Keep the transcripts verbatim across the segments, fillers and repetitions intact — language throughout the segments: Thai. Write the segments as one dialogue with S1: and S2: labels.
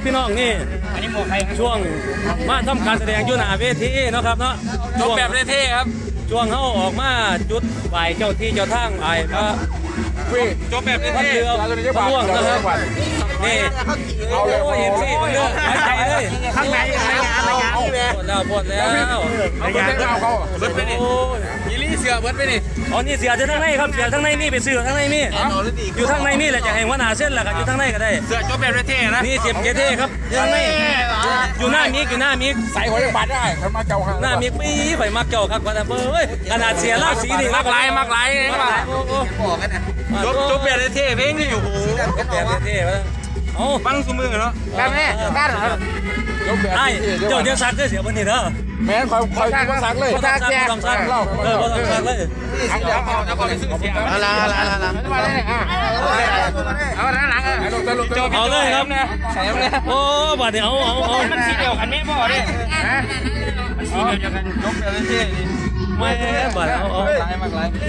S1: พี่น้องนี่อันนี้หมวกใครช่วงมาทำการแสดงอยู่หน้าเวทีเนาะครับเนาะจบแบบเท่ๆครับช่วงเขาออกมาจุดไหวเจ้าที่เจ้าทางไหวพระจบแบบเท่ๆเรือพระล่วงนะครับนี่เอาเลยเห็นสิเรือหายใจเลยข้างในอะไรงานอะไรงานหมดแล้วหมดแล้วอะไรงานเขาเบิร์ดไปนี่ยี่ลี่เสือเบิร์ดไปนี่อ๋อนี่เสือจะทั้งในครับเสือทั้งในนี่เป็นเสือทั้งในนี่อยู่ทั้งในนี่แหละจะเห็นว่าหนาเส้นแหละครับอยู่ทั้งในก็ได้เสือจบแบบเท่ๆนะนี่เจ็บเท่ๆครับอยู่ทั้งในอยู่หน้ามิกอยู่หน้ามิกใส่หัวยังบาดได้ทำมาเจ้าหน้ามิกไม่ไปมักเจ้าครับว่าแต่เบ้ยขนาดเสียล่าสีนี่มักไหลมักไหลเองป่ะบอกกันนะจบจบแบบเท่ๆเพลงนี่อยู่แบบเท่ๆวะเอาฟังสมือเนาะแบบนี้บ้านเหรอไอ้เจ้าเดี๋ยวซักได้เสียวันนี้เด้อแม่คอยคอยซักเลยซักแจ้งต้องซักเออต้องซักเลยเอาเดี๋ยวเอาเอาไปซื้อเสียเอาละเอาละเอาละมาเลยอ่ะเอาละหลังเอาเลยครับใส่เลยโอ้บาดเดี๋ยวเอาเอามันสีเดียวกันไม่พอดิมันสีเดียวกันยกแบบเท่ๆไม่บาดเอาเอาหลายมากหลาย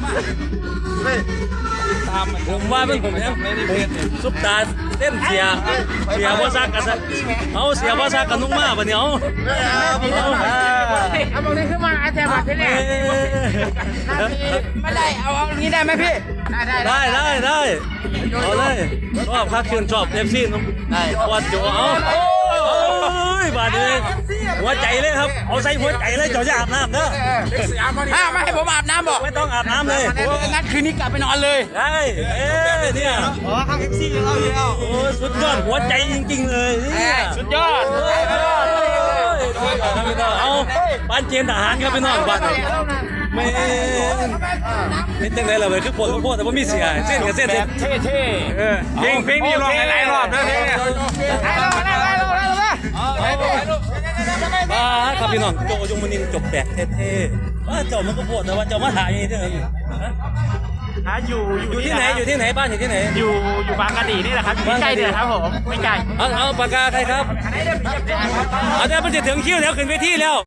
S1: ผมว่าเป็นผมเนี่ยซุปตาเต้นเสียเสียพ่อซักกันเอาเสียพ่อซักกันนุ่งมาปะเนี่ยเอา
S2: เอาตรงนี้ขึ้นมาอาจารย์มาพี่เนี่ยไม่ได้เอาเอางี้ได้ไหมพี่
S1: ได้ได้ได้เอาเลยชอบคักชื่นชอบเอฟซีนุ่มได้วัดโจเอาโอ้ยบาดเลยหัวใจเลยครับเอาใส่หัวใจเลยเจ้าจะอาบน้ำเนอะ
S2: ถ้าไม่ให้ผมอาบน้ำบอก
S1: ไม่ต้องอาบน้ำเลย
S2: งั้นคืนนี้กลับไปนอนเลย
S1: ได้เอ๊ะเนี่ย
S2: อ๋อข้างเอฟซีเราอยู่แล้ว
S1: โอ้สุดยอดหัวใจจริงๆเลยเนี่ย
S2: สุดยอด
S1: เอาบ้านเจนทหารครับพี่น้องบ้านไม่ไม่ตั้งใจเลยเลยคือปวดก็ปวดแต่ว่ามีเสียเส้นกับเส้น
S2: เท่เท่
S1: เพลงเพลงนี้ร้องหลายรอบนะเพลงเนี่ยบ้าครับพี่น้องโจยงมนินจบแตกเท่ๆว่าเจ้ามันก็ปวดแต่ว่าเจ้ามาถ่ายนี่เด้อ
S2: ฮะอยู่
S1: อยู่ที่ไหนอยู่ที่ไหนบ้านอยู่ที่ไหน
S2: อยู่อยู่บางกะดีนี่แหละครับไม่ใกล้เดือครับผมไม่ไกล
S1: เอาเอาปากกาใครครับเอาเดี๋ยวมันจะถึงคิวแล้วขึ้นเวทีแล้ว